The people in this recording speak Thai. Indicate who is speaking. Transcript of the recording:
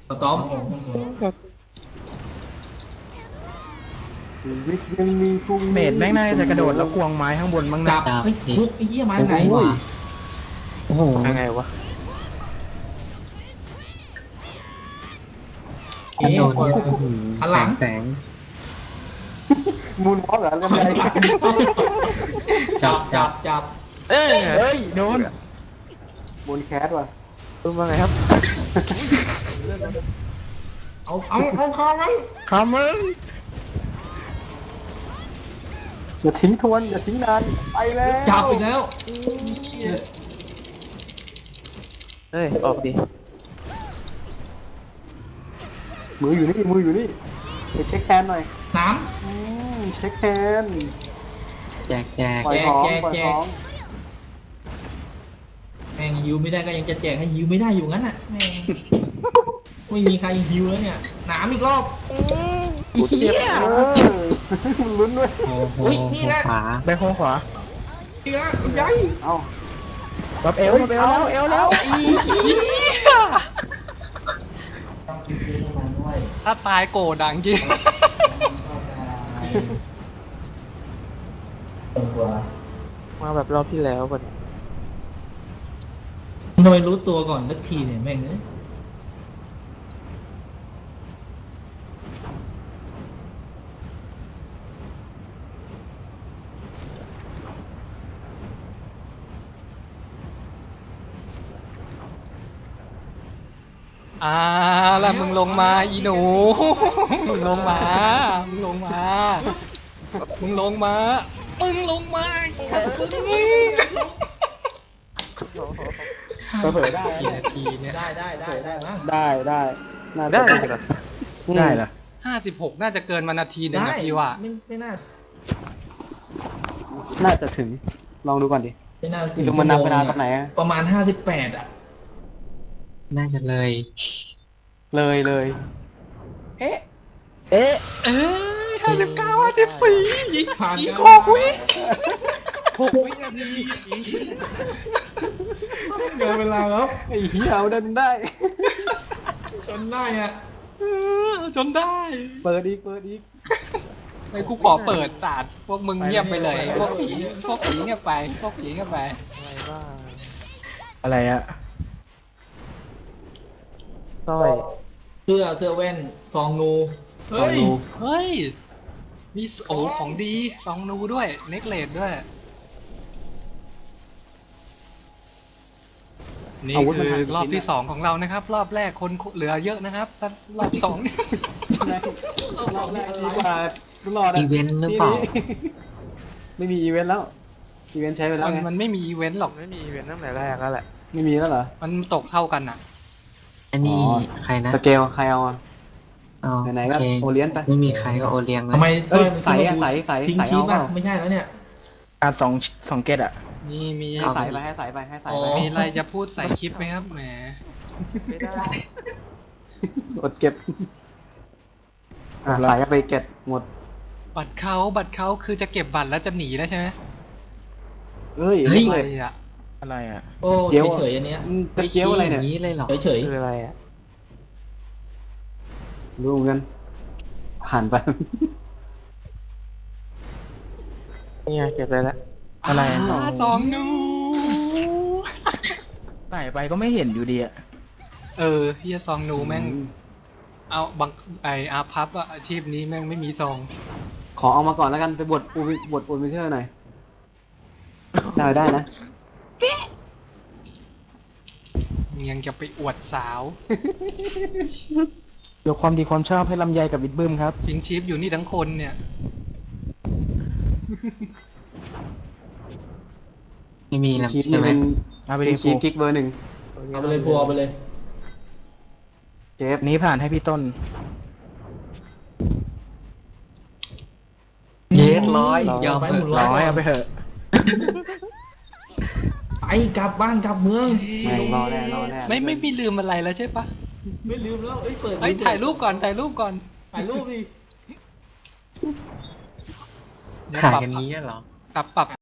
Speaker 1: สตอม
Speaker 2: ชีวิตยังมีพรุ่งนี้
Speaker 3: เมดแม่งน่าจะกระโดดแล้วควงไม้ข้างบนบ้าง
Speaker 1: จั
Speaker 3: นะ
Speaker 1: บไอ้คุกไอ้เหี้ยไม้ไหนวะ
Speaker 4: โอ้โห
Speaker 3: ยังไงวะ
Speaker 1: เอ๊ะ
Speaker 4: โดนเนี่ย
Speaker 1: พลัง
Speaker 4: แสง
Speaker 2: มูนวอล์กเหรอเรื่องอะไร
Speaker 1: จับ
Speaker 3: เอ้ยโดน
Speaker 2: มูนแคสว่ะ
Speaker 3: ดูมาไงครับ
Speaker 1: เอาคอไว้
Speaker 3: คามึง
Speaker 2: อย่าทิ้งทวนอย่าทิ้งนานไปแล้ว
Speaker 1: จับอีกแล้ว
Speaker 3: เฮ้ยออกดิ
Speaker 2: มืออยู่นี่มืออยู่นี่ไปเช็คแฮนด์หน่อย
Speaker 1: น้
Speaker 2: เช็คแฮนด์
Speaker 4: แจกแจก
Speaker 2: ปล่อยของปล่อยของ
Speaker 1: ำแม่งฮิวไม่ได้ก็ยังจะแจกให้ฮิวไม่ได้อยู่งั้นอ่ะแม่งไม่มีใครฮิวแล้วเนี่ยหนามอีกรอบ
Speaker 3: เจ็บ
Speaker 2: มันลุ้นด้วย
Speaker 4: โอ้โห
Speaker 1: อุ๊ยนี่นะ
Speaker 4: ขวา
Speaker 3: ไปโค้งขวา
Speaker 1: อีกแล้วใหญ่
Speaker 2: เอ้า
Speaker 3: รับเอวแล้วเอวแล้ว
Speaker 5: ถ้าตายโกรธดังจริง
Speaker 3: มาแบบรอบที่แล้วก่อน
Speaker 1: ทำไมรู้ตัวก่อนสักทีเนี่ยแม่งเอ้ย
Speaker 5: แล้วมึงลงมาอีหนู มึงลงมามึงลงมามึงลงมามึงลงมามึง
Speaker 2: เผยได้
Speaker 5: กี่นาทีเนี่ย
Speaker 1: ได้มั้ง
Speaker 2: ได้น่าจะ
Speaker 3: ได้เหรอได้เหรอ
Speaker 5: 56น่าจะเกินมานาทีหนึงนะพี่ว่า
Speaker 1: ไม่น่า
Speaker 2: น่าจะถึงลองดูก่อนดิ
Speaker 1: ไม่น่า
Speaker 2: ดูมันนับเวลาตอนไหนอะ
Speaker 1: ประมาณ58อ่ะ
Speaker 4: น่าจะเลย
Speaker 2: เลยเอ๊ะ
Speaker 3: เอ๊ะ
Speaker 5: เอ้ย59 54อีก6 วิ
Speaker 3: 6 วินาที
Speaker 1: เกินเวลาแล้ว
Speaker 2: ไอ้เหี้ยเอาดันได้
Speaker 1: จนได้อ่ะ
Speaker 5: จนได้
Speaker 2: เปิดอีก
Speaker 5: ไอ้กูขอเปิดศาสตร์พวกมึงเงียบไปเลย พวกผีเงียบไปพวกผีเงียบไป
Speaker 3: อะไรอะสร้อย
Speaker 1: เสื้อแว่นซองงู
Speaker 2: ลองดู
Speaker 5: เฮ้ย มีโอ้ของดีซองนูด้วย เน็กเลดด้วย นี่
Speaker 2: อาวุธมัน
Speaker 5: คือ
Speaker 2: หายไป
Speaker 5: รอบที่
Speaker 2: ชิ้นอะ
Speaker 5: 2ของเรานะครับ รอบแรกคนเหลือเยอะนะครับรอบ2เนี่ย
Speaker 2: รอบแรกดีกว่าตลอด
Speaker 4: อีเวนต์หรือเปล่า
Speaker 2: ไม่มีอีเวนต์แล้วอีเวนต์ใช้ไปแล้วไง
Speaker 5: มันไม่มีอีเวนต์หรอก
Speaker 3: ไม่มีอีเวนต์ตั้งแต่แรกแล้วแหละ
Speaker 2: ไม่มีแล้วเหรอ
Speaker 5: มันตกเท่ากันอ่ะ
Speaker 4: อันนี้
Speaker 2: อ๋อ
Speaker 4: ใครนะ
Speaker 2: สเกลใครเอาอะ
Speaker 4: อ๋อ
Speaker 2: ไหนๆก็
Speaker 4: โค
Speaker 2: โอเลี้ยงไป
Speaker 4: ไม่มีใครก็โอเลี้ยงเล
Speaker 1: ทำไม
Speaker 4: ย
Speaker 1: สร้อย
Speaker 2: ใสอะใส
Speaker 1: ทิ้ง
Speaker 2: ใส
Speaker 1: คีบ
Speaker 2: เอาเป
Speaker 1: อ่ะ
Speaker 2: ล่า
Speaker 1: ไม่ใช่แล้วเนี่ย
Speaker 3: การ2เกตอะ
Speaker 5: มี
Speaker 2: ให้ใส่ไปให้ใส่ไปให้ใส่
Speaker 1: อ๋
Speaker 2: ไป
Speaker 1: อ
Speaker 5: มีอะไรจะพูดใส่คลิปไหมครับแหม
Speaker 3: ไม่ได้
Speaker 2: อดเก็บใส่ไปเก็บหมด
Speaker 5: บัตรเขาคือจะเก็บบัตรแล้วจะหนีแล้วใช่ไหม
Speaker 2: เฮ้ย
Speaker 4: เฮ้ย
Speaker 5: อะไร
Speaker 2: เลย
Speaker 5: อ่ะ
Speaker 3: อะไรอะ
Speaker 1: โอ้
Speaker 2: เจียว
Speaker 1: เฉยๆอันเนี้ย
Speaker 2: จะเจียวอะไรเนี่ย
Speaker 4: ม่ชี้างนี้เลยเหรอ
Speaker 1: เฉย
Speaker 3: คืออะไรอะ
Speaker 2: รู้เหมือนกันผ่านไป
Speaker 3: นี่ไงเก็บเลยละอะไรอะ
Speaker 5: ซองนู
Speaker 3: ใส่ไปก็ไม่เห็นอยู่ดีอะ
Speaker 5: เฮียซองนูแม่ง เอาบังอาพับอะอาชีพนี้แม่งไม่มีซอง
Speaker 2: ขอเอามาก่อนแล้วกันไปบทอูมิเทอร์หน่อยได้นะ
Speaker 5: ยังจะไปอวดสาว
Speaker 3: ยกความดีความชอบให้ลำไยกับวิดบึ้มครับ
Speaker 5: พิงชีฟอยู่นี่ทั้งคนเนี่ย
Speaker 4: ไม่มีแล้ว
Speaker 2: ชีพ
Speaker 4: ใช่
Speaker 2: นี่
Speaker 4: ไหม
Speaker 2: เป็น
Speaker 3: เอาไปดิ
Speaker 2: ชีพกิ๊กเบอร์หนึ่ง
Speaker 1: เอาไปเลยพัวเอาไปเลย
Speaker 2: เจฟ
Speaker 3: นี้ผ่านให้พี่ต้น
Speaker 4: เย็ดร้อยยอม
Speaker 1: ไป
Speaker 4: เถ
Speaker 1: หมุน
Speaker 4: อะ
Speaker 3: ร้อยเอาไปเถอะ
Speaker 1: ไปกลับบ้านกลับเมือง
Speaker 2: ไม่รอแน่รอแน่
Speaker 5: ไม่มีลืมอะไรแล้วใช่ปะ
Speaker 1: ไม่ลืมแล้วเปิด
Speaker 5: ถ่ายรูปก่อนถ่ายรูปก่อน
Speaker 1: ถ่ายรูปดิ
Speaker 5: เดี๋ยว
Speaker 4: ถ่าย
Speaker 5: ปรับ
Speaker 4: กันนี้เหรอ
Speaker 5: ปรับ